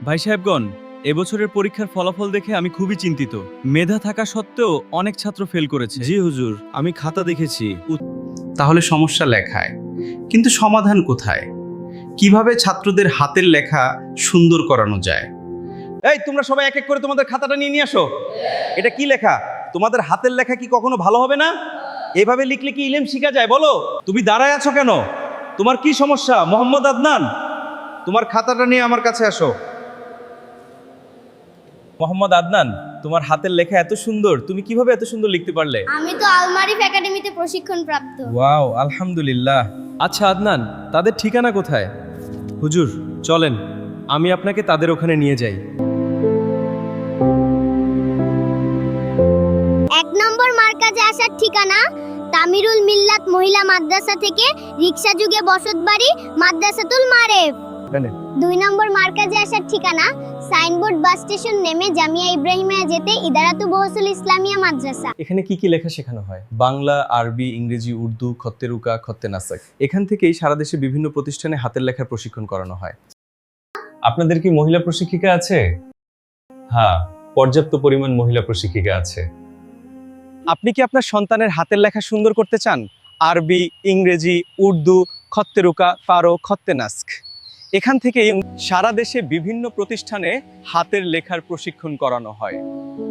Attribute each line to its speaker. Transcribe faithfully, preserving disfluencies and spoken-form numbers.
Speaker 1: ভাই সাহেবগণ, এবছরের পরীক্ষার ফলাফল দেখে আমি খুবই চিন্তিত। মেধা থাকা সত্ত্বেও অনেক ছাত্র ফেল করেছে।
Speaker 2: জি হুজুর, আমি খাতা দেখেছি।
Speaker 3: তাহলে সমস্যা লেখায়, কিন্তু সমাধান কোথায়? কিভাবে ছাত্রদের হাতের লেখা সুন্দর করানো যায়?
Speaker 2: এই তোমরা সবাই এক এক করে তোমাদের খাতাটা নিয়ে নিয়ে আসো। এটা কি লেখা? তোমাদের হাতের লেখা কি কখনো ভালো হবে না? এভাবে লিখলে কি ইলম শিখা যায় বলো? তুমি দাঁড়ায় আছো কেন? তোমার কি সমস্যা মোহাম্মদ আদনান? তোমার খাতাটা নিয়ে আমার কাছে আসো।
Speaker 1: মোহাম্মদ আদনান, তোমার হাতের লেখা এত সুন্দর, তুমি কিভাবে এত সুন্দর লিখতে পারলে?
Speaker 4: আমি তো আলমারিফ একাডেমিতে প্রশিক্ষণ প্রাপ্ত।
Speaker 1: ওয়াও, আলহামদুলিল্লাহ। আচ্ছা আদনান, তাদের ঠিকানা কোথায়? হুজুর চলেন, আমি আপনাকে তাদের ওখানে নিয়ে যাই।
Speaker 4: এক নম্বর মার্কাজে আসার ঠিকানা তামিরুল মিল্লাত মহিলা মাদ্রাসা থেকে রিকশা যুগে বসতবাড়ি মাদ্রাসাতুল মারেফ। দুই নম্বর মার্কাজে আসার ঠিকানা সাইনবোর্ড বাস স্টেশন নেমে জামিয়া ইব্রাহিমিয়া যেতে ইদারাতু বহসুল ইসলামিয়া মাদ্রাসা।
Speaker 1: এখানে কি কি লেখা শেখানো হয়? বাংলা, আরবি, ইংরেজি, উর্দু, খত্তে রুকা, খত্তে নাসাক। এখান থেকেই সারা দেশে বিভিন্ন প্রতিষ্ঠানে হাতের লেখার প্রশিক্ষণ করানো হয়।
Speaker 5: আপনাদের কি মহিলা প্রশিক্ষিকা আছে? হ্যাঁ, পর্যাপ্ত পরিমাণ মহিলা প্রশিক্ষিকা আছে।
Speaker 1: আপনি কি আপনার সন্তানের হাতের লেখা সুন্দর করতে চান? আরবি, ইংরেজি, উর্দু, খত্তে রুকা, ফারো, খত্তে নাস্ক। এখান থেকেই সারা দেশে বিভিন্ন প্রতিষ্ঠানে হাতের লেখার প্রশিক্ষণ করানো হয়।